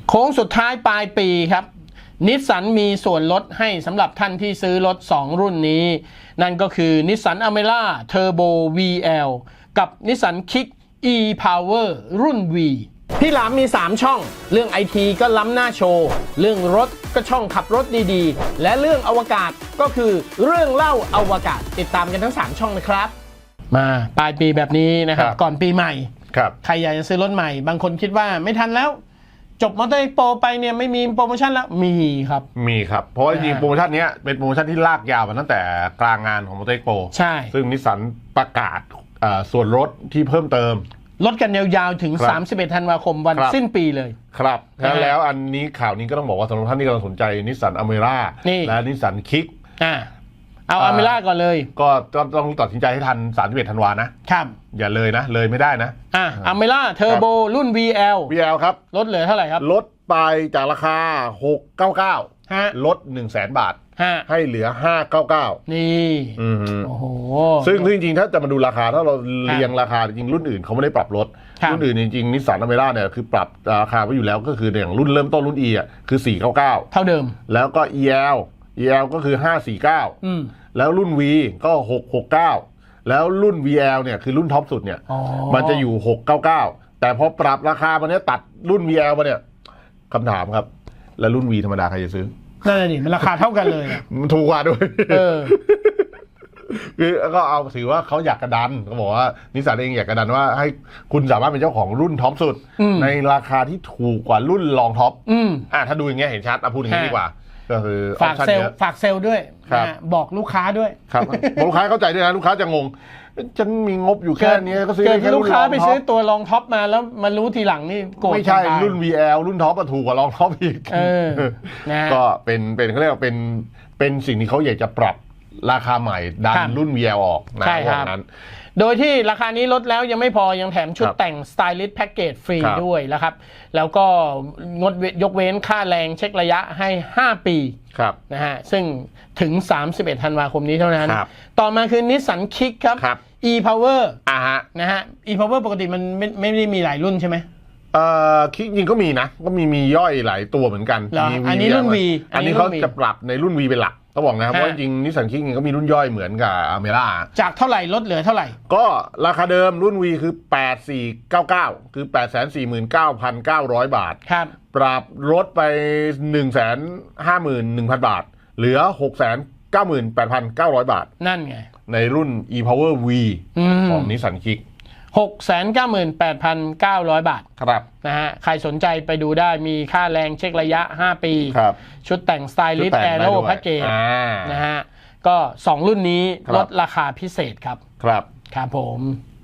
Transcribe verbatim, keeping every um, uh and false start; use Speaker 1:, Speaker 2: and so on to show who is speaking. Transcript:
Speaker 1: โค้งสุดท้ายปลายปีครับนิสสันมีส่วนลดให้สำหรับท่านที่ซื้อรถสองรุ่นนี้นั่นก็คือนิสสันอเมร่าเทอร์โบ วี แอล กับนิสสันคิก e-power รุ่น V พี่หลามมีสามช่องเรื่อง ไอ ที ก็ล้ำหน้าโชว์เรื่องรถก็ช่องขับรถดีๆและเรื่องอวกาศก็คือเรื่องเล่าอวกาศติดตามกันทั้งสามช่องนะครับมาปลายปีแบบนี้นะครับก่อนปีใหม่
Speaker 2: ครับ
Speaker 1: ใครอยากจะซื้อรถใหม่บางคนคิดว่าไม่ทันแล้วจบมอเตอร์เอ็กซ์โปไปเนี่ยไม่มีโปรโมชั่นแล้วมีครับ
Speaker 2: มีครับเพราะว่าจริงๆโปรโมชั่นนี้เป็นโปรโมชั่นที่ลากยาวมาตั้งแต่กลางงานของมอเตอร์เอ็กซ์โป
Speaker 1: ใช่
Speaker 2: ซึ่งนิสสันประกาศส่วนลดที่เพิ่มเติม
Speaker 1: ลดกันยาวๆถึงสามสิบเอ็ดธันวาคมวันสิ้นปีเลย
Speaker 2: ครับแล้วอันนี้ข่าวนี้ก็ต้องบอกว่าสำหรับท่านที่กำลังสนใจนิสสันอเมร่าและนิสสันคิก
Speaker 1: อ่าเอาอเมร่าก่อนเลย
Speaker 2: ก็ต้องตัดสินใจให้ทันสามสิบเอ็ดธันวานะครับอย่าเลยนะเลยไม่ได้นะ
Speaker 1: อ่าอเมร่าเทอร์โบรุ่น วี แอล
Speaker 2: วี แอล ครับ
Speaker 1: ลดเหลือเท่าไหร่ครับ
Speaker 2: ลดไปจากราคาหกร้อยเก้าสิบเก้า
Speaker 1: ฮะ
Speaker 2: ลด หนึ่งแสน บาท
Speaker 1: ฮะ
Speaker 2: ให้เหลือห้าร้อยเก้าสิบเก้า
Speaker 1: นี่
Speaker 2: อือ
Speaker 1: โอ้โห
Speaker 2: ซึ่งจริงๆถ้าจะมาดูราคาถ้าเราเรียงราคาจริงรุ่นอื่นเขาไม่ได้ปรับลดรุ่นอื่นจริงๆนิสสันอเมร่าเนี่ยคือปรับราคาไว้อยู่แล้วก็คืออย่างรุ่นเริ่มต้นรุ่น E อ่ะคือสี่ร้อยเก้าสิบเก้า
Speaker 1: เท่าเดิม
Speaker 2: แล้วก็ อี แอล อี แอล ก็คือห้าร้อยสี่สิบเก้า
Speaker 1: อืม
Speaker 2: แล้วรุ่น V ก็หกร้อยหกสิบเก้าแล้วรุ่น วี แอล เนี่ยคือรุ่นท็อปสุดเนี่ยมันจะอยู่หกร้อยเก้าสิบเก้าแต่พอปรับราคามันเนี้ยตัดรุ่น วี แอล มาเนี่ยคำถามครับแล้วรุ่น V ธรรมดาใครจะซื้อ
Speaker 1: นั่นแหละดิมันราคาเท่ากันเลย
Speaker 2: มันถูกกว่าด้วย
Speaker 1: เออ
Speaker 2: คือก็เอาถือว่าเขาอยากกระดันเขาบอกว่านิสสันเองอยากกระดันว่าให้คุณสามารถเป็นเจ้าของรุ่นท็อปสุดในราคาที่ถูกกว่ารุ่นรองท็อปอ่าถ้าดูอย่างเงี้ยเห็นชัดเอาพูดอย่างนี้ดีกว่าก็คือ
Speaker 1: ฝากเซลฝากเซลด้วยบอกลูกค้าด้วย
Speaker 2: ครับลูกค้าเข้าใจด้วยนะลูกค้าจะงงฉันมีงบอยู่แค่นี้ก็ซื้อแค่
Speaker 1: ลูกค้าไปซื้อตัวรองท็อปมาแล้วมารู้ทีหลังนี่โกรธ
Speaker 2: ไม่ใช่รุ่น วี แอล รุ่นท็อปถูกกว่ารองท็อปอีกก็เป็นเป็นเขาเรียกว่าเป็นเป็นสิ่งที่เขาอยากจะปรับราคาใหม่ดันรุ่น วี แอล ออกนะวันนั้น
Speaker 1: โดยที่ราคานี้ลดแล้วยังไม่พอยังแถมชุดแต่ง Stylist Package ฟรีด้วยนะครับแล้วก็งดยกเว้นค่าแรงเช็คระยะให้ห้าปีนะฮะซึ่งถึงสามสิบเอ็ดธันวาคมนี้เท่านั้นต่อมาคือ Nissan Kick ครับ e-power
Speaker 2: อ่าฮะ
Speaker 1: นะฮะ e-power ปกติมันไม่ไม่ได้มีหลายรุ่นใช่ไหม
Speaker 2: เอ่อคิกจริงก็มีนะก็มีมีย่อยหลายตัวเหมือนกัน
Speaker 1: อันนี้รุ่น V
Speaker 2: อันนี้เขาจะปรับในรุ่น V เป็นหลักต้องบอกนะครับเพราะจริงนิสสันคิกก็มีรุ่นย่อยเหมือนกับอเมร่า
Speaker 1: จากเท่าไหร่ลดเหลือเท่าไหร่
Speaker 2: ก็ราคาเดิมรุ่น V คือแปดพันสี่ร้อยเก้าสิบเก้าคือ แปดแสนสี่หมื่นเก้าพันเก้าร้อย บาท
Speaker 1: ครับ
Speaker 2: ปรับลดไป หนึ่งแสนห้าหมื่นหนึ่งพัน บาทเหลือ หกแสนเก้าหมื่นแปดพันเก้าร้อย บาท
Speaker 1: นั่นไง
Speaker 2: ในรุ่น e-power V ของนิสสันคิก
Speaker 1: หกแสนเก้าหมื่นแปดพันเก้าร้อย บาท
Speaker 2: ครับ
Speaker 1: นะฮะใครสนใจไปดูได้มีค่าแรงเช็คระยะห้าปีชุดแต่ง Stylist Aero Package
Speaker 2: นะ
Speaker 1: ฮะก็สองรุ่นนี้ลดราคาพิเศษครับ
Speaker 2: ครับ
Speaker 1: ครับผม